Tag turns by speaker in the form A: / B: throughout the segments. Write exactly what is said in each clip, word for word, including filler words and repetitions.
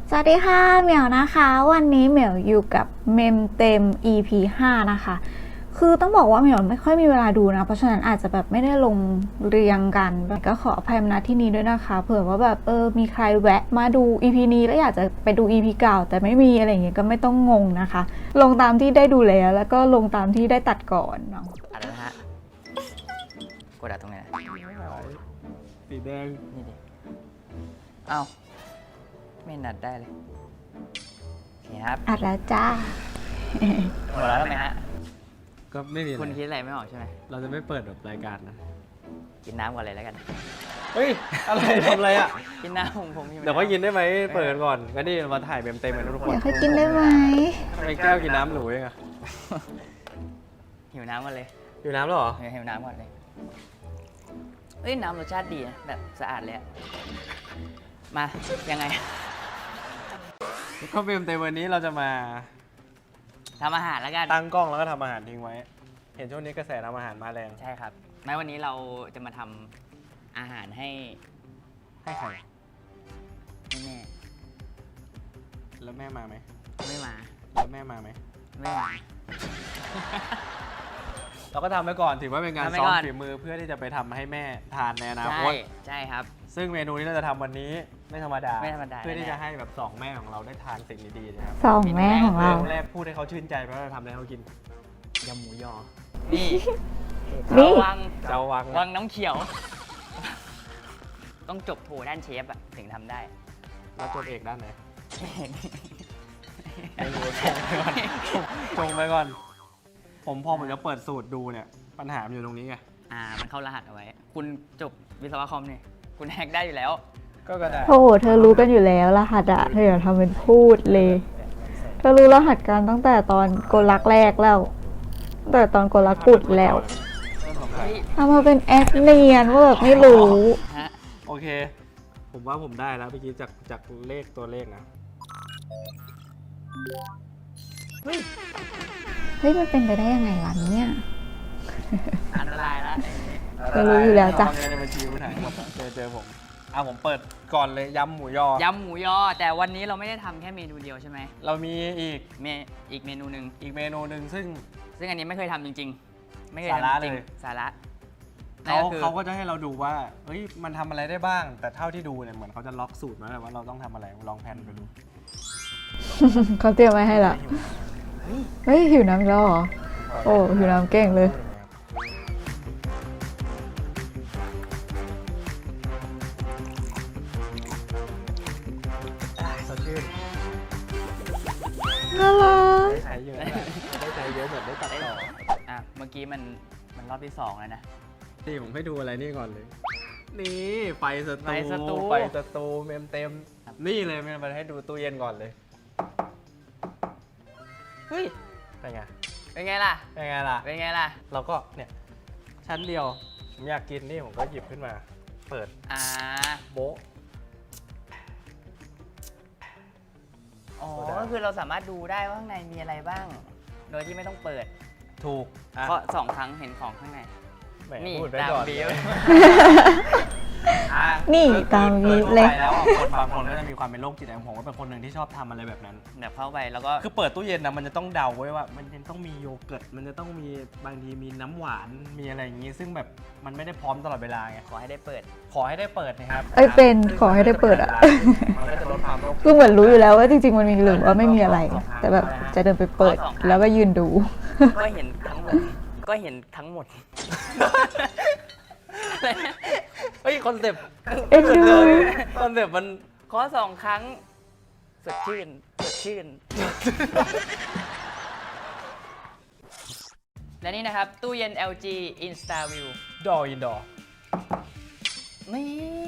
A: สวัสดีค่ะเหมียวนะคะวันนี้เหมียวอยู่กับเมมเต็ม อี พี ห้านะคะคือต้องบอกว่าเหมียวไม่ค่อยมีเวลาดูนะเพราะฉะนั้นอาจจะแบบไม่ได้ลงเรียงกันก็ขออภัยมาณที่นี้ด้วยนะคะเผื่อว่าแบบเออมีใครแวะมาดู อี พี นี้แล้วอยากจะไปดู อี พี เก่าแต่ไม่มีอะไรอย่างเงี้ยก็ไม่ต้องงงนะคะลงตามที่ได้ดูแล้วแล้วก็ลงตามที่ได้ตัดก่อนเนาะ
B: อัดแล้วนะฮะกดอัดตรงไหนนะ
C: สีแดง
B: นี่ดิเอ้าไม่นัดได้เลยโอเคครับ
A: อัดแล้วจ้า
B: หมดแล้วใช่ไหมฮะ
C: ก็ไม่มีอะไร
B: คุณคิดอะไรไม่ออกใช่ไหม
C: เราจะไม่เปิดแบบรายการนะ
B: กินน้ำก่อนเลยแล้วกัน
C: เฮ้ย อะไรทำอะไรอ่ะ
B: กินน้ำผมผมหิว
C: เดี๋ยวก็
B: น้ำ
C: กินได้ไหมเปิดกันก่อนก็นี่มาถ่ายเต็มเต็มๆกันทุกคน
A: อยากให้กินได้ไหม
C: ทำไมแก้วกินน้ำหนูเองอะ
B: หิวน้ำก่อนเลย
C: อยู่น้ำแล้วเหรอ
B: หิวน้ำก่อนเลยเอ้ยน้ำรสชาติดีนะแบบสะอาดเลยอะมายังไง
C: ก็เต็มเต็มวันนี้เราจะมา
B: ทำอาหารแล้วกัน
C: ตั้งกล้องแล้วก็ทำอาหารทิ้งไว้ เห็นช่วงนี้กระแสทำอาหารมาแรง
B: ใช่ครับไม่วันนี้เราจะมาทำอาหารให้
C: ให้ใคร
B: ให้แม่
C: แล้วแม่มาไหม
B: ไม่มา
C: แล้วแม่มาไหม
B: ไม่มา
C: เราก็ทำไว้ก่อนถือว่าเป็นการ
B: ทำไว้
C: ซ้อม
B: ก่อน
C: ฝีมือเพื่อที่จะไปทำให้แม่ทานในอนา
B: ใช่
C: คต
B: ใช่ครับ
C: ซึ่งเมนูที่เราจะทำวันนี้ไม่ธรรมดา
B: ไม่ธรรมดา
C: เพื่อที่
B: แน่ๆ
C: จะให้แบบสองแม่ของเราได้ทานสิ่งดีๆนะครับ
A: สองแม่ของเรา
C: เมนูแรกพูดให้เขาชื่นใจเพราะเราทำอะไรให้เขากินยำหมูยอ
B: นี่
A: นี่
B: วัง
C: เจ้าวัง
B: วังน้ำเขียว ต้องจบโทด้านเชฟอะถึงทำได้
C: แล้วจบเอกด้านไหนไม่รู้ชงไปก่อนชงไปก่อน ผมพอผมจะเปิดสูตรดูเนี่ย ปัญหามันอยู่ตรงนี้ไง
B: อ่า มันเข้ารหัสเอาไว้ คุณจบวิศวะคอมเนี่ยคุณแฮกได้อยู่แล้ว
C: ก็กระดาษ
A: โอ้โหเธอรู้กันอยู่แล้วรหัสอะเธออย่าทำเป็นพูดเลยเธอรู้รหัสกันตั้งแต่ตอนโกลักแรกแล้วตั้งแต่ตอนโกลักกุดแล้ว
C: เริ่มของใคร
A: ทำมาเป็นแอคเนียนว่าแบบไม่รู้
B: ฮะ
C: โอเค ผมว่าผมได้แล้วเมื่อกี้จากจากเลขตัวเลขนะ
B: เฮ้ย
A: เฮ้ยมันเป็นไปได้ยังไงวะเนี่ย
B: อันตรายแล้ว
A: เธอรู้อยู่แล้วจ้ะ
C: เงินในบัญชีคุณหายหมดเจอเจอผมอ่ะผมเปิดก่อนเลยยำหมูยอ
B: ยำหมูยอ แต่วันนี้เราไม่ได้ทำแค่เมนูเดียวใช่ไหม
C: เรามีอีก
B: เมอีกเมนูหนึ่ง
C: อีกเมนูหนึ่งซึ่ง
B: ซึ่งอันนี้ไม่เคยทำจริง ๆ ไม่เคย
C: สาระ
B: ทำจริง
C: เลย
B: สาระ
C: เขา
B: นั่นก็คือ
C: เขาก็จะให้เราดูว่าเฮ้ยมันทำอะไรได้บ้าง แต่เท่าที่ดูเนี่ยเหมือนเขาจะล็อกสูตรมาแล้วว่าเราต้องทำอะไรลองแพนไปดู
A: เขาเตรียมไว้ให้ละเฮ้ยหิวน้ำอีกแล้วเหรอ โอ้หิวน้ำเก่งเลย
C: อ่ะสดชื่น
A: น่ารัก
C: ได้ใช้เยอะนะได้ใช้เยอะเหมือนได้ตัดต่อ
B: อ่ะ เมื่อกี้มันมันรอบที่สองแล้วนะ
C: นี่ผมให้ดูอะไรนี่ก่อนเลย นี่ไฟส
B: ไฟสตู
C: ตูไฟสตูเมมเต็มนี่เลยมันมาให้ดูตู้เย็นก่อนเลย
B: เฮ้ย
C: เป็นไง
B: เป็นไงล่ะ
C: เป็นไงล่ะ
B: เป็นไงล่ะ
C: เราก็เนี่ยชั้นเดียวผมอยากกินนี่ผมก็หยิบขึ้นมา เปิด
B: อ่า
C: โบ๊ะ
B: อ๋อ
C: โซดา
B: ก็คือเราสามารถดูได้ว่าข้างในมีอะไรบ้าง โดยที่ไม่ต้องเปิด
C: ถูกอ่ะ
B: เพราะสองครั้งเห็นของข้างใน
C: แหม
B: นี่
C: พูดไป
B: ตาม
C: ก่อน
B: บีฟ
C: อ่ะ
A: นี่
C: ก็คือ
A: ตามบีฟ
C: โด
A: เลย
C: ทั่วไปแล้วอ่ะคนบางคนก็จะมีความเป็นโรคจิตอย่างผมก็เป็นคนหนึ่งที่ชอบทำอะไรแบบนั้น
B: แบบเข้าไปแล้วก็
C: คือเปิดตู้เย็นนะมันจะต้องเดาไว้ว่า มันจะต้องมีโยเกิร์ตมันจะต้องมีบางทีมีน้ำหวานมีอะไรอย่างงี้ ซึ่งแบบมันไม่ได้พร้อมตลอดเวลาไง
B: ขอให้ได้เปิด
C: ขอให้ได้เปิดนะครับ
A: เอ้ยเป็นขอให้ได้เปิดอะ
C: มันก็จะลดความโรค
A: คือเหมือนรู้อยู่แล้วว่าจริงๆมันมีหรือว่าไม่มีอะไร แต่แบบจะเดินไปเปิดแล้วก็ยืนดู
B: ก็เห็นทั้งหมด ก็เห็นทั้งหมด อะไรนะ
C: เฮ้ยคอนเซปต์
A: เอ็นดู
C: คอนเซปต์มัน
B: ขอสองครั้ง สดชื่น สดชื่น และนี่นะครับ ตู้เย็น แอล จี InstaView
C: ดออินดอร์
B: นี่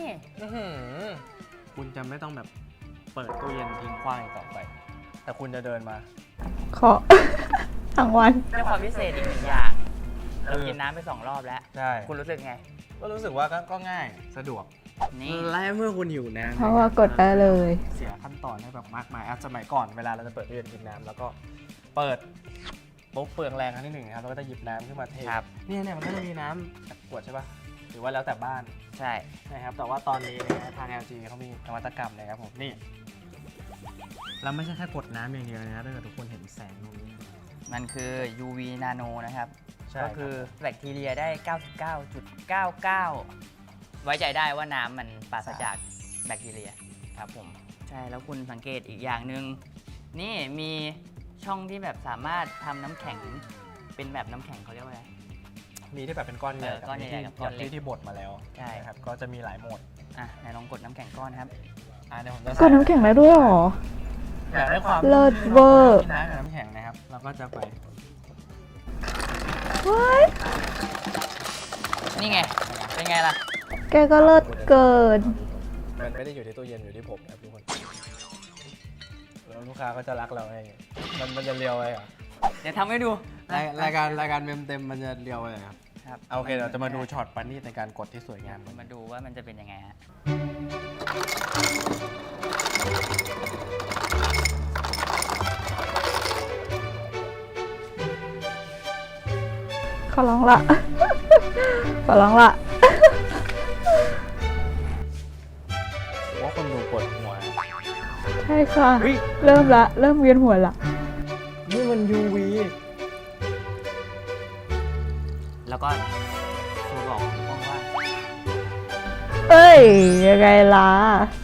C: คุณจะไม่ต้องแบบเปิดตู้เย็นทิ้งขว้างอีกต่อไป แต่คุณจะเดินมา
A: ขอ ทั้งวัน
B: เป็นความพิเศษอีกหนึ่งอย่าง เรากินน้ำไปสองรอบแล้ว
C: ใช่
B: คุณรู้สึกไง
C: ก็รู้สึกว่าก็ก็ง่ายสะดวก
B: นี่
C: และเมื่อคุณหิวน้ำ
A: เพราะว่ากดได้เลย
C: เสียขั้นตอนให้แบบมากมายอ่ะสมัยก่อนเวลาเราจะเปิดตู้เย็นกินน้ำแล้วก็เปิดปุ๊บเปลืองแรงครั้งที่หนึ่งนะครับเราก็จะหยิบน้ำขึ้นมาเท
B: ครับ
C: เนี่ยเนี่ยมันก็จะมีน้ำจากขวดใช่ปะหรือว่าแล้วแต่บ้าน
B: ใช่
C: นะครับแต่ว่าตอนนี้นะฮะทาง แอล จี เขามีนวัตกรรมนะครับผมนี่แล้วไม่ใช่แค่กดน้ำอย่างเดียวนะถ้าเกิดทุกคนเห็นแสงตรงนี้
B: มันคือ ยู วี Nano นะครับ
C: ใช่
B: ก็คือแบคทีเรียได้ เก้าสิบเก้าจุดเก้าเก้า ไว้ใจได้ว่าน้ำมันปราศจากแบคทีเรียครับผม ใช่ แล้วคุณสังเกตอีกอย่างหนึ่งนี่มีช่องที่แบบสามารถทำน้ำแข็งเป็นแบบน้ำแข็งเขาเรียกว่าอะไร
C: มีที่แบบเป็นก้อนใหญ่
B: เออก้อนใหญ่ๆกับก้อนเล็ก
C: ที่ที่บดมาแล้ว
B: ใช่
C: นะครับก็จะมีหลายโหมด
B: อ่ะไหนลองกดน้ำแข็งก้อนครับ
C: อ่ะเดี๋ยวผมจะ
A: ก็น้ำแข็งได้ด้วยเหรอ
C: อยากได้ความ
A: เลิศเวอร์
C: น้ำกับน้ำแข็งนะครับเราก็จะไป
A: ว้าย
B: นี่ไง เป็นไงล่ะ
A: แกก็เลิศเกิน
C: มันไม่ได้อยู่ที่ตู้เย็นอยู่ที่ผมนะครับทุกคนแล้วลูกค้าก็จะรักเราไงมันมันจะเรียวไปเหรอ
B: เดี๋ยวทำให้ดู
C: รายรายการรายการเมมเต็มมันจะเรียวไปครับ
B: ครับ
C: เอาโอเคเราจะมาดูช็อตปันนี่ในการกดที่สวยงามกัน
B: มาดูว่ามันจะเป็นยังไงฮะ
A: ขอร้องละ ขอร้องละ
C: ว่าคนดูปวดหัว
A: ใช่ค่ะ
C: เฮ้ย
A: เริ่มละ เริ่มเวียนหัวละ
C: นี่มัน ยู วี
B: แล้วก็ครูบอกว่างว่า
A: เอ้ย ยังไงล่ะ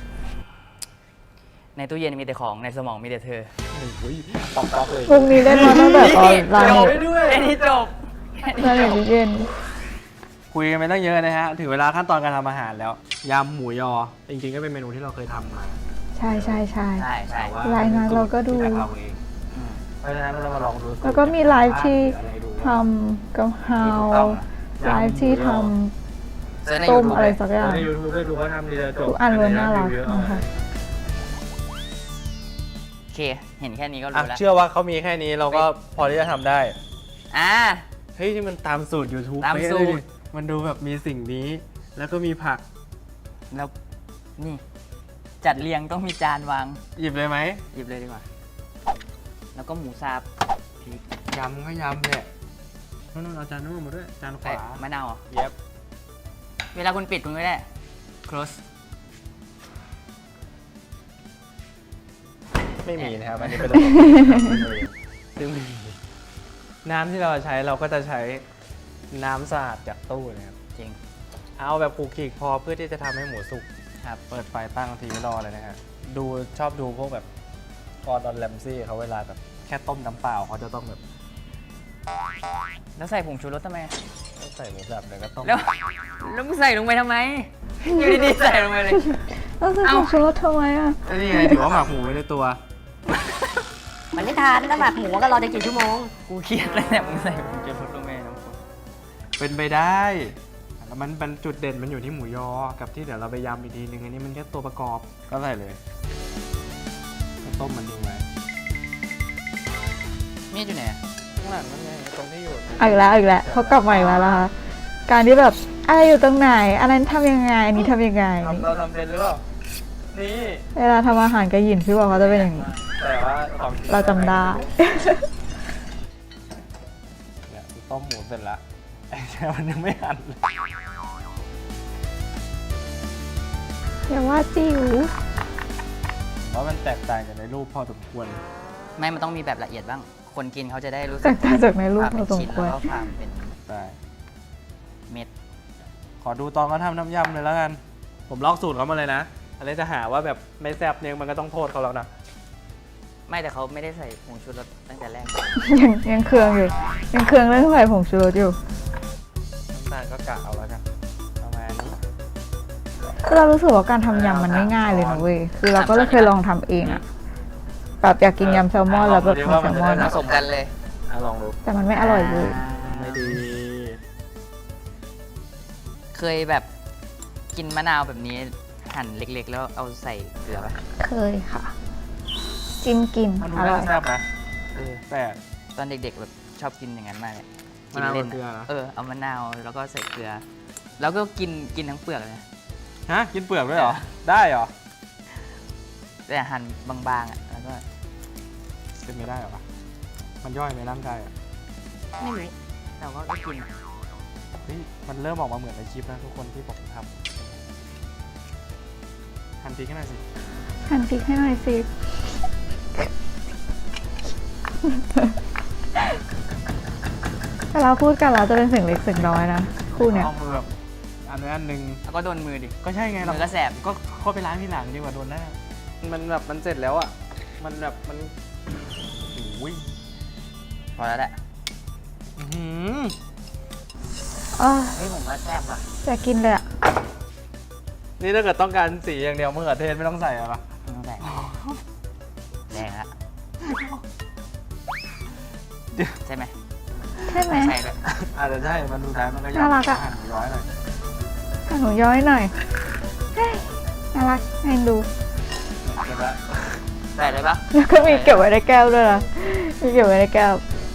B: ในตู้เย็นมีแต่ของในสมองมีแต่เธอ
C: โอ้ยปอกปอกเลย
A: วงนี้ได้มาตั้งแต่ตอนร้าน
B: จ
A: เน็
B: บ
A: ต
B: ด้วยแค่นี้จบ
A: ร้านเน็ตเย็น
C: คุยกันไปตั้งเยอะนะฮะ ถึงเวลาขั้นตอนการทำอาหารแล้ว ยำหมูยอ จริงๆก็เป็นเมนูที่เราเคยทำมา
A: ใช่ใช่ใช่
B: ใช่ใช่
C: แต่ว่
A: รายงานเราก็ดู
C: ที่เราเอง
B: อืม
C: เพราะฉะนั้นเรามาลองดูสูตร
A: แล้วก็มีไลฟ์ที่
C: หรืออะไรดู
A: ทำกะเพรา
C: ถูกต้อง
A: ไลฟ์ที่ท
B: เซิร์ชใน
A: ำต้ม
B: YouTube
A: อะไร
B: เลย
A: สักอย่าง
C: ในยูทูบได้ดูเขาทำดีเลยจบ
A: ทุกอันล้วนน่ารักนะคะ
B: โอเค เห็นแค่นี้ก็
C: อ่ะ
B: รู้แล้ว
C: เชื่อว่าเขามีแค่นี้เราก็พอที่จะทำได้
B: อ่า
C: เฮ้ยที่มันตามสูตร YouTube
B: ตาม
C: เป๊ะ
B: สู
C: เล
B: ตร
C: ยดิมันดูแบบมีสิ่งนี้ แล้วก็มีผัก
B: แล้วนี่ จัดเรียงต้องมีจานวาง
C: หยิบเลยไหม
B: หยิบเลยดีกว่า แล้วก็หมูสับพริก
C: ยำก็ยำเนี่ยนู่นๆเอาจานนู่นมาด้วย จานข
B: ใส่
C: วาม
B: ะนาวเหรอ
C: เย็บ
B: เวลาคุณปิดคุณก็ได้ close
C: ไม่มีนะครับ อันนี้เป็นระบบซึ่งไม่มีน้ำที่เราใช้เราก็จะใช้น้ำสะอาดจากตู้นะครับ
B: จริง
C: เอาแบบขูกขีกพอเพื่อที่จะทำให้หมูสุก
B: ครับ
C: เปิดไฟตั้งทีไม่รอเลยนะฮะ ดูชอบดูพวกแบบกอร์ดอนแรมซี่เขาเวลาแบบแค่ต้มน้ำเปล่าเขาจะต้องแบบ
B: แล้วใส่ผงชูรสทำไม
C: ใส่หมูสับแล้วก็ต้ม
B: แล้ว แล้วมึงใส่ลงไปทำไม อยู่ดีๆใส่ลงไปเลย
A: แล้วจะ
B: เอ้า
A: ทำชูรสทำไมอ่ะ
C: แล้วนี่ไงถือว่าหมักหมูไว้ในตัว
D: มันไม่ทานถ้าหมักหมูก็รอจะกี่ชั่วโมง
B: กูเครียดเลยเนี่ยมึงใส่ผงชูรสลงไปน้ำซุป
C: เป็นไปได้แล้วมันเป็นจุดเด่นมันอยู่ที่หมูยอ กับที่เดี๋ยวเราไปยำอีกทีนึงอันนี้มันแค่ตัวประกอบก็ใส่เลยแล้วต้มมันทิ้งไว้
B: มีดอยู่ไหนอะ
C: ข้างหลังนั่นไงตรงที่อยู่
A: เอาอีกแล้วเอาอีกแล้วเขากลับมาอีกแล้วนะคะ การที่แบบอะไรอยู่ตรงไหน อันนั้นทำยังไง อันนี้ทำยังไง
C: ทำเราทำเป็นหรือเปล่านี่
A: เวลาทำอาหารกับหยินพี่บอกเขาจะเป็นอย่างนี้
C: แต่ว่าของจง
A: เราจำได้
C: เนี่ยต้มหมูเสร็จละไอ้แช่มันยังไม่หั่นเลย
A: อย่าว่าจิ๋ว
C: เพราะมันแตกต่างจากในรูปพอสมควร
B: ไม่ มันต้องมีแบบละเอียดบ้าง คนกินเขาจะได้รู้สึ
A: แตกต่างจากในรูป
B: ความ
A: พ
B: เป็
A: อน สม
B: ชิ้น
A: ควร
B: แล้วก็ความเป็น
C: ได้
B: เม็ด
C: ขอดูตอนเขาทำน้ำยำเลยแล้วกัน ผมลอกสูตรเขามาเลยนะอะไรจะหาว่าแบบไม่แซ่บเนี่ยมันก็ต้องโทษเขาแล้วนะ
B: ไม่แต่เขาไม่ได้ใส่ผงชูรสตั้งแต่แรก
A: ยังยังเคืองอยู่ ยังเคืองเรื่องใส่ผงชูรสอยู่
C: น้ำตาลก็กะเอาแล้วกันประมาณนี้
A: คือเรารู้สึกว่าการทำยำมันไม่ง่ายเลยนะเว้ย คือเราก็เลยเคยลองทำเองอะแบบอยากกินยำแซลมอนแล้วแบบมีแซลมอน
B: ผ
A: อะ
B: สมกันเลย
C: อ่ะลองดู
A: แต่มันไม่อร่อยเลย
C: ไม่ดี
B: เคยแบบกินมะนาวแบบนี้หั่นเล็กๆ แล้วเอาใส่เกลือป่ะ
A: เคยค่ะ จิ้มกิน
C: มันดู
A: อร่อ
C: น่าย แซ่บนะเออแต่
B: ตอนเด็กๆแบบชอบกินอย่างนั้นมากเลย
C: มะนาว
B: กิ
C: กับเกลือเหรอ
B: เออเอามะนาวแล้วก็ใส่เกลือ แล้วก็กินกินทั้งเปลือกเลยนะ
C: ฮะกินเปลือกด้วยเหรอ ได้เหรอ
B: แต่หั่นบางๆอ่ะแล้วก็
C: เป็นไม่ได้เหรอวะมันย่อยในร่างกายอ่ะ
B: ไม่รู้แต่ว่าก็กิน
C: เฮ้ยมันเริ่มออกมาเหมือนในคลิปนะทุกคนที่ผมทำหั่นพริกให้หน่อยสิ
A: หั่นพริกให้หน่อยสิลาพูดกันเราจะเป็นเสียงเล็กเสียงน้อยนะคู่เนี้ย
C: เอามือแบบอันนี้อันหนึ่ง
B: แล้วก็โดนมือดิ
C: ก็ใช่ไง
B: มื
C: เรา
B: อก็แสบ
C: ก็เข้าไปล้างที่หลังดีกว่าโดนหน้า มันแบบมันเสร็จแล้วอ่ะ มันแบบมันโอ้ย
B: พอแล้วแหละ
C: อื้อหือ
A: เออ
B: เฮ้ยผมว่าแสบว่ะ
A: อยากกินเลยอะ
C: นี่ถ้าเกิดต้องการสีอย่างเดียวมะเขือเทศไม่ต้องใส่อะไรปะ
B: ไม่ต้องแสบแดงละใช่ไหม
A: ใช่ไหม
B: ใช่เลย
C: อาจจะใช่ มันดูท้ายมันก็
A: น่ารักอะ
C: หั่นหมูย้อยหน่อย
A: หนูย้อยหน่อยเฮ้ยน่ารักให้ดู
C: เก็บละ
B: ใส่เลยปะ
A: แล้วก็มีเก็บไว้ในแก้วด้วยนะมีเก็บไว้ในแก้ว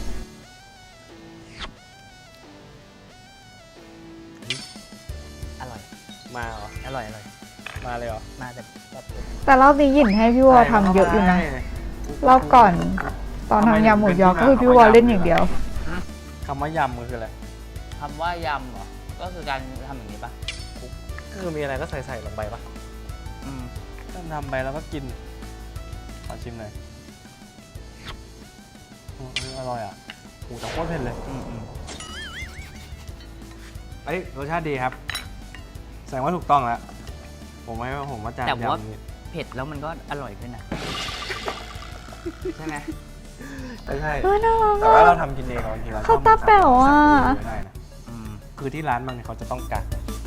B: อร่อย
C: มาเหรอ
B: อร่อยอร่อย
C: มาเลยเหรอ
B: มาแบบแบบ
A: แต่รอบนี้หยินให้พี่วอทำเยอะอยู่นะ รอบก่อน ตอนทำยำหมูยอก็คือพี่วอเล่นอย่างเดียว
C: คำว่ายำมันคืออะไร
B: คำว่ายำเหรอ ก็คือการทำอย่างนี้ปะ
C: ก็คือมีอะไรก็ใส่ใส่ลงไปปะ
B: อืม
C: ก็ทำไปแล้วก็กิน ขอชิมหน่อยอืมอร่อยอ่ะโอ้แต่โคตรเผ็ดเลย
B: อืมอืม
C: เอ้ยรสชาติดีครับ แสดงว่าถูกต้องแล้ว ผมไม่ว่าผมว่าจาน
B: แต่ว่า
C: ยำนี้
B: เผ็ดแล้วมันก็อร่อยขึ้นนะใช่ไหม
C: ไม่ใช่
A: เออน่ารัก
C: แต่ว่าเรา
A: อะ
C: ทำกินเองบางทีเรา
A: เขาตาแป๋วอะ
C: ไม่ได้นะ
B: อืม
C: คือที่ร้านบางทีเขาจะต้องกัก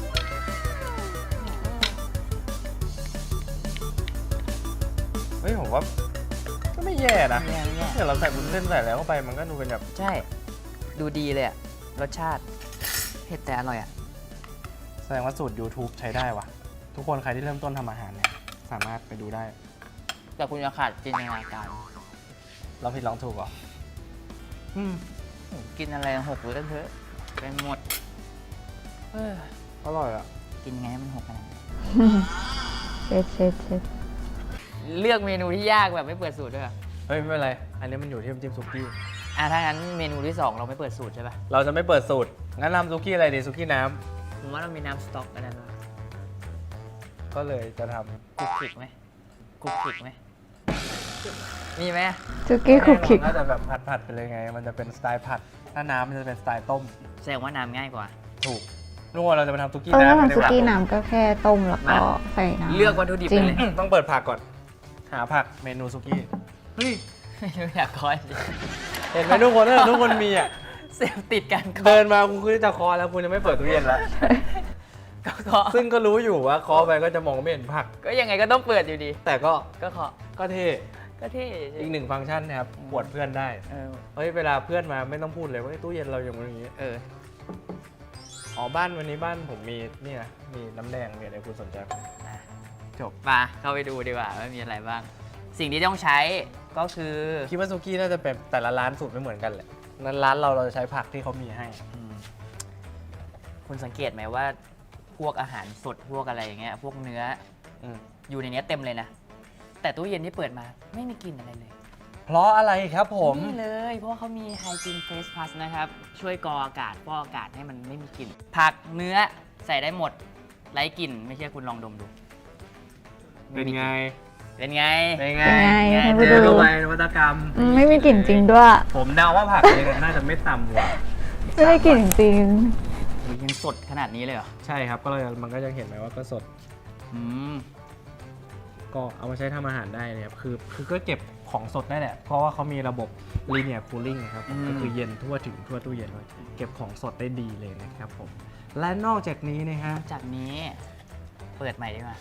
C: เฮ้ยผมว่าก็ไม่แย่นะ
B: ไม่แย่ไม่แย่
C: เดี๋ยวเราใส่บุญเส้นใส่แล้วเข้าไปมันก็ดูเป็นแบบ
B: ใช่ ดูดีเลยอะรสชาติ เผ็ดแต่อร่อยอะ
C: แสดงว่าสูตร YouTube ใช้ได้ว่ะ ทุกคนใครที่เริ่มต้นทำอาหารเนี่ยสามารถไปดูได้
B: แต่คุณจะขาดจินตนาการ
C: เราผิดลองถูกเหรอ
B: อืมกินอะไรหกหรือกันเถอะไปหมดเออ
C: อร่อยอ่ะ
B: กินไงให้มันหกขนาดนี้
A: เช็ดเช็ดเช็ด
B: เลือกเมนูที่ยากแบบไม่เปิดสูตรด้วยเหรอ
C: เฮ้ยไม่เป็นไร อันนี้มันอยู่ที่น้ำจิ้มซุกี้
B: อ่ะถ้างั้นเมนูที่สองเราไม่เปิดสูตรใช่ปะ
C: เราจะไม่เปิดสูตร งั้นทำซุกี้อะไรดีซุกี้น้
B: ผมว่าเรามีน้ำสต๊อกอันนั้นวะ
C: ำก็เลยจะทำ
B: คุกคิกไหมคุกคิกไหมมีไหม
A: จุกี้คุกคิก
C: น่าจะแบบผัดๆไปเลยไง มันจะเป็นสไตล์ผัด ถ้าน้ำมันจะเป็นสไตล์ต้ม
B: แสดงว่าน้ำง่ายกว่า
C: ถูกนู่นเราจะมาทำซุกี้
A: เออ
C: น้ำ
A: ถ้า
C: กัน
A: ทำ
C: ดี
A: ซุ
C: กว่า
A: กี้น้ำก็แค่ต้มแล้วก็
B: มา
A: ใส่น้ำ
B: เลือกวัตถุดิบ
A: จริ
B: ไป
A: ง
B: เลย
C: ต้องเปิดผักก่อน หาผักเมนูซุกี้ เฮ้ย
B: ไม่รู้อยากคอย
C: เห็นไหมทุกคนเออทุกคนมีอ่ะ
B: เสพติดกันก็
C: เดินมาคุณคือจะคอแล้วคุณยังไม่เปิดตู้เย็นแล้ว
B: ก็
C: ซึ่งก็รู้อยู่ว่าคอไปก็จะมองไม่เห็นผัก
B: ก็ยังไงก็ต้องเปิดอยู่ดี
C: แต่ก็
B: ก็เคาะ
C: ก็เท่
B: ก็เท่
C: อีกหนึ่งฟังก์ชันนะครับปวดเพื่อนได้
B: เออ
C: เฮ้ยเวลาเพื่อนมาไม่ต้องพูดเลยว่าตู้เย็นเราอย่างนี้อย่างนี้
B: เออ
C: อ๋อบ้านวันนี้บ้านผมมีนี่นะมีน้ำแดงมีอะไรคุณสนใจไหม
B: อ่ะ
C: จบ
B: มาเข้าไปดูดีกว่าว่ามีอะไรบ้าง สิ่งที่ต้องใช้ก็คือ
C: คิดว่าซุกี้น่าจะเป็นแต่ละร้านสูตรไม่เหมือนกันแหละนั้นร้านเราเราจะใช้ผักที่เขามีให้
B: อืมคุณสังเกตไหมว่าพวกอาหารสดพวกอะไรอย่างเงี้ยพวกเนื้อ
C: อืม
B: อยู่ในเนี้ยเต็มเลยนะ แต่ตู้เย็นที่เปิดมาไม่มีกลิ่นอะไรเลย
C: เพราะอะไรครับผม
B: นี่เลย เพราะว่าเขามี Hygiene Face Plus นะครับ ช่วยกรองอากาศฟอกอากาศให้มันไม่มีกลิ่น ผักเนื้อใส่ได้หมดไร้กลิ่น ไม่เชื่อคุณลองดมดู
C: เป็นไง
B: เป็นไง
C: เป็นไง
A: เป็นไง
B: ไง
A: ไป
C: เจ
A: ดู
C: อเข้าไปนวัตกรรม
A: อืมไม่มีกลิ่นจริงด้วย
C: ผมเดาว่าผักเนี่ยน่าจะไม่ต่ำกว่า
A: ไม่ได้กลิ่นจริง
B: มันยังสดขนาดนี้เลยเหรอ
C: ใช่ครับก็เลยมันก็จะเห็นไหมว่าก็สด
B: อืม
C: ก็เอามาใช้ทำอาหารได้เลยครับคือคือก็เก็บของสดได้แหละ เพราะว่าเขามีระบบ linear cooling นะครับผมก็คือเย็นทั่วถึงทั่วตู้เย็นเลยเก็บของสดได้ดีเลยนะครับผมและนอกจากนี้นะฮะ
B: จากนี้เปิดใหม่ดีกว่า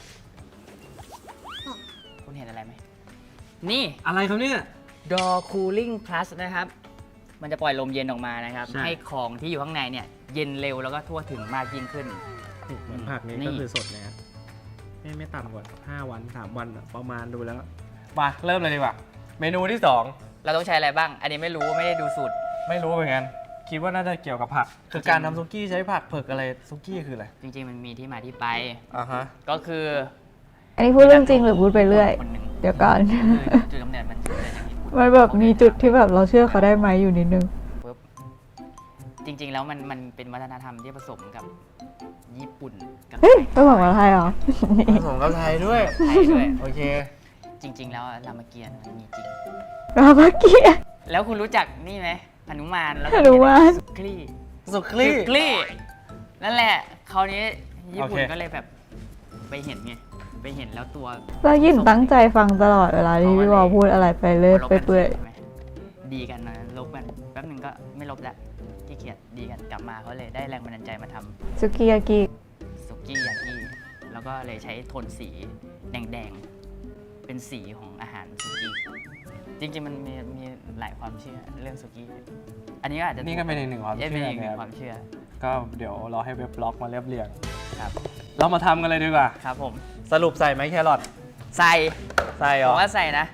B: คุณเห็นอะไรไหม นี่
C: อะไรครับเนี่ย
B: Door Cooling Plus นะครับ มันจะปล่อยลมเย็นออกมานะครับ
C: ใช่
B: ให้ของที่อยู่ข้างในเนี่ย เย็นเร็วแล้วก็ทั่วถึงมากยิ่งขึ้น
C: นี่เหมือนผักนี้
B: นี่
C: ก็คือสดนะฮะไม่ไม่ต่ำกว่าห้าวันสามวันอะประมาณดูแล้วมาเริ่มเลยดีกว่าเมนูที่สอง
B: เราต้องใช้อะไรบ้าง อันนี้ไม่รู้ไม่ได้ดูสูตร
C: ไม่รู้เหมือนกันคิดว่าน่าจะเกี่ยวกับผัก คือการทำซุกี้ใช้ผักเผือกอะไรซุกี้คืออะไร
B: จริงๆ มันมีที่มาที่ไป
C: อ่าฮะ
B: ก็คือ
A: อันนี้พูดเรื่องจริงหรือพูดไปเรื่อย
B: คนหนึ่ง
A: เดี๋ยวก่อน
B: คือจุดกำเนิดมันเกิดจากญี่ปุ่น
A: มันแบบมีจุดที่แบบเราเชื่อเขาได้ไหมอยู่นิดนึง
B: ปุ๊บจริง ๆ แล้วมันมันเป็นวัฒนธรรมที่ผสมกับญี่ปุ่นกับ
A: เฮ้ยไปบอกว่าไทยเหรอ
C: ผสมกับไทยด้วย
B: ไทยด้วย
C: โอเค
B: จริง ๆ แล้วรามเกียรติ์มันมีจริง
A: รามาเกียร์
B: แล้วคุณรู้จักนี่ไหมหนุมานแล้วก็
A: หนุมาน
B: สุคลี่
C: สุคลี่
B: สุคลี่นั่นแหละคราวนี้ญี่ปุ่น
C: โอเค
B: ก็เลยแบบไปเห็นไงไปเห็นแล้วตัว
A: แล้วยินตั้งใจฟังตลอดเวลาที่พี่วอพูดอะไรไปเลย
B: ลบ
A: ไป
B: กัน
A: เปื่อย
B: ใช่ไหมดีกันนะลบกันแป๊บหนึ่งก็ไม่ลบแล้วขี้เกียจดีกันกลับมาเขาเลยได้แรงบันดาลใจมาทำ
A: สุกิยากิ
B: สุกี้ยากิแล้วก็เลยใช้โทนสีแดงๆ เป็นสีของอาหารสุกี้ จริงๆ มันมีมีหลายความเชื่อเรื่องสุกี้ อันนี้ก็อาจจะ
C: นี่ก็เป็นอีกหนึ่งความ
B: เอ๊ะ
C: เชื่
B: เป็น
C: อ
B: อีกหนึ่
C: นะ
B: ง
C: ค
B: ครับ วามเชื่อ
C: ก็เดี๋ยวเราให้เว็บบล็อกมาเรียบเรียง
B: ครับ
C: เรามาทำกันเลยดีกว่า
B: ครับผม
C: สรุปใส่ไหมแครอท
B: ใส่
C: ใส่เหร
B: ผ
C: อ
B: มว่าใส่นะ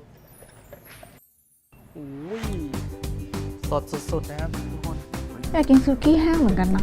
C: อุ้ยสดสุดๆนะครับทุกคน
A: อยากกินสุกี้แห้งเหมือนกันนะ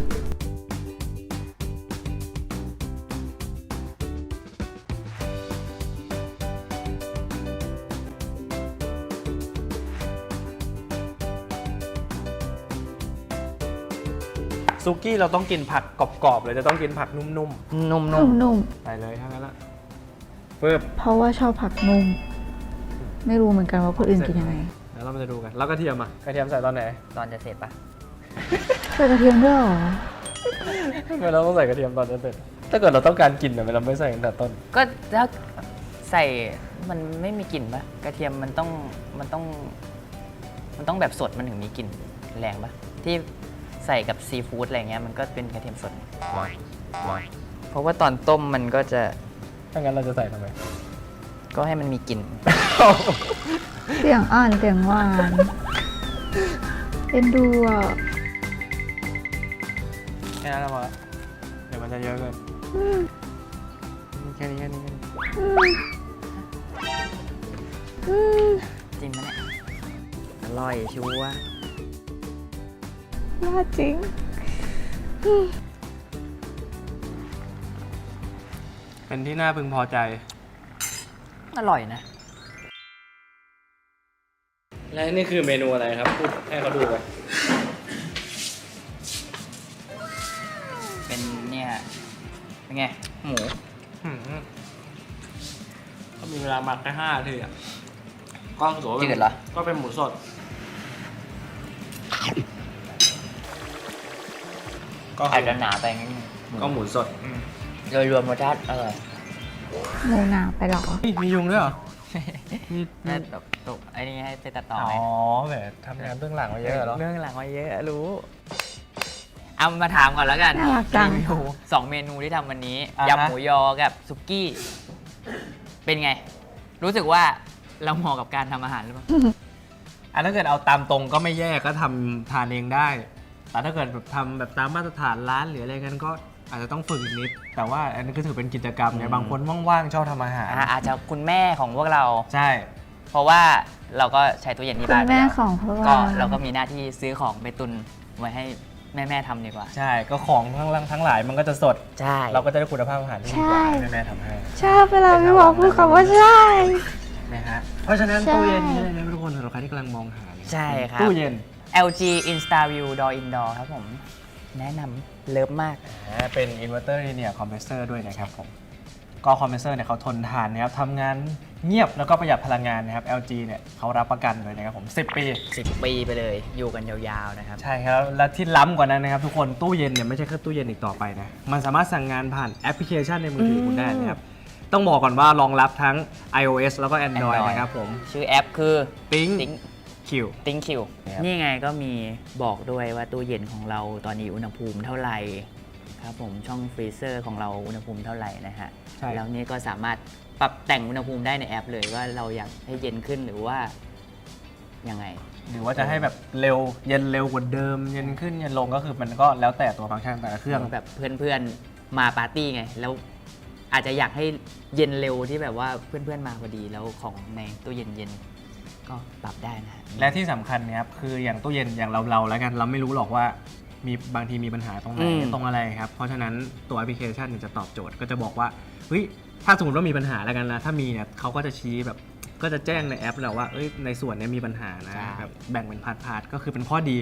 C: ซุกี้เราต้องกินผักกรอบๆเลยจะต้องกินผักนุ่ม
B: นุ่ม
A: นุ่ม
C: ๆใส่เลยทั้งนั้นละปึ๊บ
A: ๆ เพราะว่าชอบผักนุ่ม ไม่รู้เหมือนกันว่าคนอื่นกินยังไง
C: แล้วเรามาจะดูกัน แล้วกระเทียมอ่ะ กระเทียมใส่ตอนไหน
B: ๆ ตอนจะเสร็จปะ
A: ใส่กระเทียมด้วยเหรอ
C: ทำไมเราต้องใส่กระเทียมตอนจะเสร็จถ้าเกิดเราต้องการกินเนี่ยเราไม่ใส่ตั้งแต่ต้น
B: ก็ถ้าใส่มันไม่มีกลิ่นปะกระเทียมมันต้องมันต้อง มันต้องแบบสดมันถึงมีกลิ่นแรงปะที่ใส่กับซีฟู้ดอะไรเงี้ยมันก็เป็นกระเทียมสด เพราะว่าตอนต้มมันก็จะ
C: ถ้างั้นเราจะใส่ทำไม
B: ก็ให้มันมีกลิ่น
A: เสียงอ่อนเสียงหวานเอ็นดูอ่ะ
C: แค่นั้นพอละเดี๋ยวมันจะเยอะเกินแค่นี้แค่นี้แค่นี้
A: อืม
B: จริงปะเนี่ยอร่อยชัวร์
A: ยากจริง
C: เป็นที่น่าพึงพอใจ
B: อร่อยนะ
C: และนี่คือเมนูอะไรครับพูดให้เขาดูไป
B: เป็นเนี่ยเป็นไง หมู
C: ก็มีเวลาหมักแค่ห้านาทีอ่ะก็ถือว่า
B: จืดเหรอ
C: ก็เป็นหมูสด ก็
B: อาจจะหนาไปนิดนึง
C: ก็หมูสด
B: โดยรวมรสชาติอร่อย
A: หมูหนาไปเหรอ
C: มียุงด้วยเหรอ มี
B: น่าตกตกไอ้นี่ให้ไปตัดต่อ
C: อ๋
B: ไหม
C: อแหมทำงานเบื้องหลังมาเยอะเหรอ
B: เรื่องหลังมาเยอะรู้ เอามาถามก่อนแล้วกัน
A: น่ารักจัง
B: รีวิวสองเมนูที่ทำวันนี้
C: อ่าฮะ
B: ยำหมูยอกับซุกี้ เป็นไง รู้สึกว่าเราเหมาะกับการทำอาหารหรือเปล่า
C: อ่ะถ้าเกิดเอาตามตรงก็ไม่แย่ก็ทำทานเองได้ แต่ถ้าเกิดแบบทำแบบตามมาตรฐานร้านหรืออะไรกันก็อาจจะต้องฝึกอีกนิด แต่ว่าอันนี้ก็ถือเป็นกิจกรรมไง
B: อืม
C: บางคนว่างๆชอบทำอาหาร
B: อ่าอาจจะคุณแม่ของพวกเรา
C: ใช่
B: เพราะว่าเราก็ใช้ตู้เย็นที่
A: คุ
B: บ้า
A: ณ
B: น
A: แม่
B: ไปล้ว
A: ของพวก
B: ก็
A: เรา
B: เราก็มีหน้าที่ซื้อของไปตุนไว้ให้แม่ๆทำดีกว่า
C: ใช่ก็ของทั้งหลังทั้งหลายมันก็จะสด
B: ใช่
C: เราก็จะได้คุณภาพอาหารที่ดีกว่าให้แม่ๆทำให้
A: ชอบเวลาพี่วอพูดคำว่าใช่
C: นะฮะเพราะฉะนั้น
A: ใช่
C: ตู้เย็นนี่เลยนะทุกคนสำหรับใครที่กำลังมองหาเนี่ย
B: ใช่ครับ
C: ตู้เย็น
B: แอล จี InstaView Door Indoor ครับผม แนะนำเลิฟมาก
C: อ่าเป็น Inverter Linear Compressor ด้วยนะครับผม ก็คอมเพรสเซอร์เนี่ยเขาทนทานนะครับทำงานเงียบแล้วก็ประหยัดพลังงานนะครับ แอล จี เนี่ยเขารับประกันเลยนะครับผม สิบ ปี
B: สิบ ปีไปเลย อยู่กันยาวๆนะครับ
C: ใช่ครับ และที่ล้ำกว่านั้นนะครับทุกคนตู้เย็นเนี่ยไม่ใช่แค่ตู้เย็นอีกต่อไปนะ มันสามารถสั่งงานผ่านแอปพลิเคชันในมือถือคุณได้นะครับ ต้องบอกก่อนว่ารองรับทั้ง iOS แล้วก็ Android
B: Android
C: นะครับผม
B: ชื่อแอปคือ
C: Think
B: Think
C: Q
B: Think Q
C: ครับ
B: นี่ไงก็มีบอกด้วยว่าตู้เย็นของเราตอนนี้อุณหภูมิเท่าไหร่ครับผมช่องฟรีเซอร์ของเราอุณหภูมิเท่าไหร่นะฮะ
C: ใช่
B: แล้วนี่ก็สามารถปรับแต่งอุณหภูมิได้ในแอปเลยว่าเราอยากให้เย็นขึ้นหรือว่ายังไง
C: หรือว่าจะให้แบบเร็วเย็นเร็วกว่าเดิมเย็นขึ้นเย็นลงก็คือมันก็แล้วแต่ตัวฟังก์ชันแต่ละเครื่อง
B: แบบเพื่อนๆมาปาร์ตี้ไง แล้วอาจจะอยากให้เย็นเร็วที่แบบว่าเพื่อนๆมาพอดีแล้วของในตู้เย็นเย็นก็ปรับได้นะฮะ
C: และที่สำคัญเนี่ยครับคืออย่างตู้เย็นอย่างเราเราๆแล้วกันเราไม่รู้หรอกว่ามีบางทีมีปัญหาตรงไหน
B: อืม
C: ตรงอะไรครับเพราะฉะนั้นตัวแอปพลิเคชันเนี่ยจะตอบโจทย์ก็จะบอกว่าเฮ้ยถ้าสมมติว่ามีปัญหาแล้วกันนะถ้ามีเนี่ยเขาก็จะชี้แบบก็จะแจ้งในแอปแล้วว่าเอ้ยในส่วนเนี้มีปัญหานะแบบแบ่งเป็นพาร์ทๆก็คือเป็นข้อดี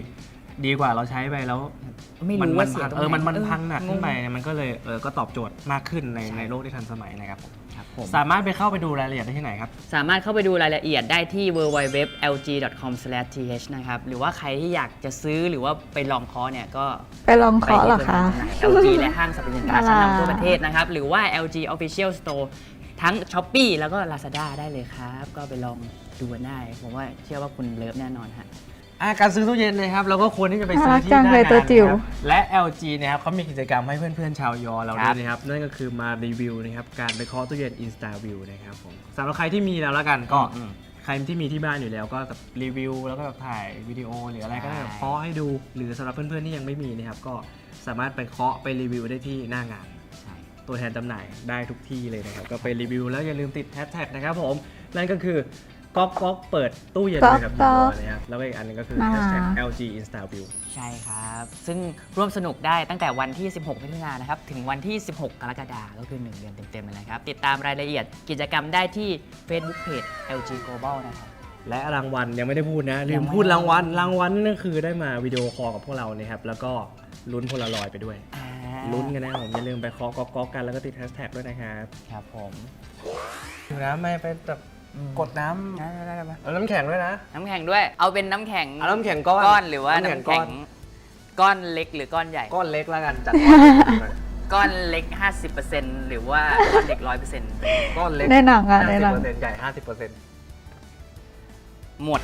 C: ดีกว่าเราใช้ไปแล้ว
B: ไม่
C: มัน
B: รู้
C: มั
B: ว่าน เสีย
C: พัง
B: ตรง
C: เออ
B: ไหน
C: มันมันพังหนักขึ้นไป
B: งง
C: เนี่ยมันก็เลยเออก็ตอบโจทย์มากขึ้นใน
B: ใช่
C: ในโลกที่ทันสมัยนะครับผม
B: ครับผม
C: สามารถไปเข้าไปดูรายละเอียดได้ที่ไหนครับ
B: สามารถเข้าไปดูรายละเอียดได้ที่ ดับเบิลยู ดับเบิลยู ดับเบิลยู ดอท แอล จี ดอท คอม สแลช ที เอช นะครับ หรือว่าใครที่อยากจะซื้อหรือว่าไปลองคอร์สเนี่ยก็
A: ไปลองเคาะเหรอคะ
B: แอล จี และห้างสรรพสินค้าชั้นนำทั่วประเทศนะครับ หรือว่า แอล จี Official Store ทั้ง Shopee แล้วก็ Lazada ได้เลยครับ ก็ไปลองดูกันได้ ผมว่าเชื่อว่าคุณเลิฟแน่นอนฮะ
C: อ่ะการซื้อตู้เย็นนะครับเราก็ควรที่จะไปซื้อที่
A: น่ารักจัง
C: หน้า
A: เลย
C: งาน
A: ตัวจิ๋ว
C: นะครับและ แอล จี นะครับเขามีกิจกรรมให้เพื่อนๆชาวยอเรา
B: ค
C: ด้
B: รั
C: ว
B: บ
C: ยนะครับนั่นก็คือมารีวิวนะครับการไปเคาะตู้เย็น InstaView นะครับผมสำหรับใครที่มีแล้วละกันก็
B: อืม
C: ใครที่มีที่บ้านอยู่แล้วก็แบบรีวิวแล้วก็แบบถ่ายวิดีโอหรืออะไรก็ได้
B: ใช่
C: แบบเคาะให้ดูหรือสำหรับเพื่อนๆที่ยังไม่มีนะครับก็สามารถไปเคาะไปรีวิวได้ที่หน้างาน
B: ใช่
C: ตัวแทนจำหน่ายได้ทุกที่เลยนะครับ ก็ไปรีวิวแล้วอย่าลืมติดแฮชแท็กนะครับผม นั่นก็คือก๊อกก๊อกเปิดตู้เย็นเลยครับ
A: ก๊อกก๊อก
C: นะครับแล้วก็อีกอันหนึงก็คือ
A: น่า
C: แฮ
A: รั
C: ช
A: ก
C: แท็ก แอล จี InstaView
B: ใช่ครับ ซึ่งร่วมสนุกได้ตั้งแต่วันที่ สิบหกมิถุนายนนะครับ ถึงวันที่ สิบหก กรกฎาคมก็คือ หนึ่ง เดือนเต็มๆเลยนะครับ ติดตามรายละเอียดกิจกรรมได้ที่ Facebook Page แอล จี Global นะครับ
C: และรางวัลยังไม่ได้พูดนะ ลื
B: ยัง
C: ม
B: ไม่
C: พูดรางวัลรางวัลนั่นคือได้มาวิดีโอคอลกับพวกเรานะครับแล้วก็ลุ้นโพลารอยด์ไปด้วย
B: อ่า
C: ลุ้นกันนะผมอย่าลืมไปเคาะก๊อกก๊อกกันแล้วก็ติดแฮชแท็กด้วยนะครับ
B: ครับผม
C: ถึงน้ำไม่ไปแบบ
B: อืม
C: กดน้
B: ได้ได้ได้ได้
C: ำเอาน้ำแข็งด้วยนะ
B: น้ำแข็งด้วย เอาเป็นน้ำแข็ง
C: เอาน้ำแข็งก้อน
B: ก้อนหรือว่า
C: น้ำแข็ง
B: น้ำแข็ง
C: ก้อน
B: ก้อนเล็กหรือก้อนใหญ่
C: ก้อนเล็กแล้วกันจัด
B: ก้อนเล็ก ห้าสิบเปอร์เซ็นต์ หรือว่าก้อนเล็ก ร้อยเปอร์เซ็นต์
C: ก้อนเล็ก
A: ในหนังอะใน
C: ห้าสิบ
A: หนัง
C: เปอร์เซ็นต์ใหญ่ห้าสิบเปอร์เซ็นต์
B: หมด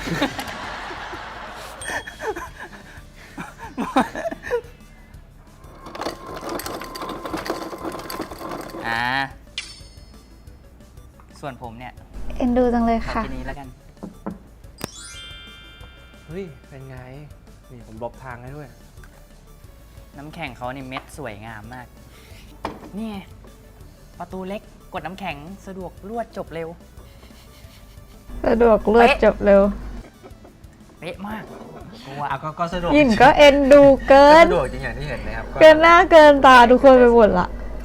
B: อ่า ส่วนผมเนี่ย
A: เอ็นดูจังเลย
B: ขอ
A: ค่ะ
B: กินนี้แล้วกัน
C: เฮ้ยเป็นไงนี่ผมลบทางให้ด้วย
B: น้ำแข็งเขานี่เม็ดสวยงามมาก นี่ไงประตูเล็กกดน้ำแข็งสะดวกรวดจบเร็ว
A: สะดวกเลือดจบเร็ว
B: เป๊ะมากกูว่า
C: อ่ะก็ก็สะดวก
A: ยินก็เอ็นดูเกิ
C: ก็
A: น
C: สะดวกจริงอย่างที่เห็นนะครับ
A: เกินหน้าเกินตาทุกคนไปหมดละ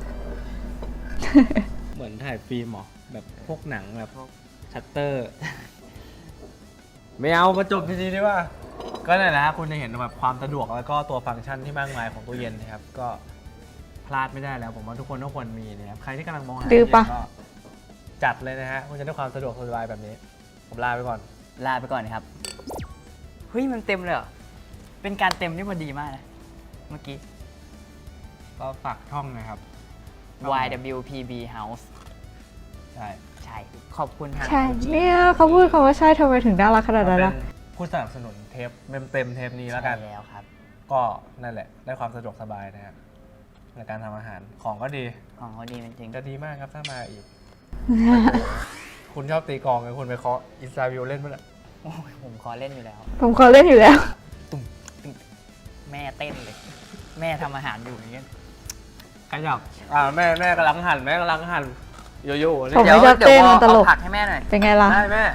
C: เหมือนถ่ายฟิล์มเหรอแบบพวกหนังแบบพวกชัตเตอร์ ไม่เอามาจบทีๆดีว่า ก็นั่นแหละฮะคุณจะเห็นแบบความสะดวกแล้วก็ตัวฟังก์ชันที่มากมายของตู้เย็นนะครับ ก็พลาดไม่ได้แล้วผมว่าทุกคนต้องควรมีนะครับใครที่กำลังมองหา
A: ดื้อปะ
C: ตู้เย็นก็จัดเลยนะฮะคุณจะได้ความสะดวกสบายแบบนี้ ผมลาไปก่อน
B: ลาไปก่อนนะครับ เฮ้ย มันเต็มเลยเหรอ เป็นการเต็มที่พอดีมากนะ เมื่อกี้
C: ก็ฝากช่องนะครับ
B: วาย ดับเบิลยู พี บี House
C: ใช่
B: ใช่ ขอบคุณทาง
A: ใช่
B: แอล จี
A: เนี่ยเขาพูดคำว่าใช่ทำไมถึงน่ารักขนาดนั้น
C: เป็
A: ล่ะ
C: นผู้สนับสนุนเทปเต็มๆเทปนี้แล้วกัน
B: ใช่แล้วครับ
C: ก็นั่นแหละได้ความสะดวกสบายนะฮะในการทำอาหารของก็ดี
B: ของเขาดีจริง
C: จะดีมากครับถ้ามาอีก คุณชอบตีกลองไงคุณไปเคาะอินสตาวิวเล่นมั้ยล่ะ
B: ๆโอ้ยผมขอเล่นอยู่แล้ว
A: ผมขอเล่นอยู่แล้ว
B: แม่เต้นเลย แม่ทำอาหารอยู่อย่างเงี้ย
C: ขยับอ่าแม่แม่กำลังหั่นแม่กำลังหั่นโยโย่เนี่
A: ผม
C: ย
B: เดี๋ยว
A: ไม่ชอบ
B: เดี๋ยว
A: เต้น
B: พอ
A: มันตลก
B: เอาผักให้แม่หน่อย
A: เป็นไงล่ะ
C: ได้แม่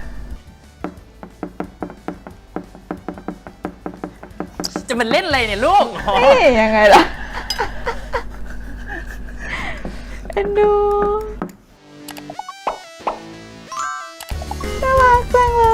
B: จะมันเล่นอะไรเนี่ยลูก
A: นี่ยังไงล่ะ เอ็นดูน่ารักจังเลย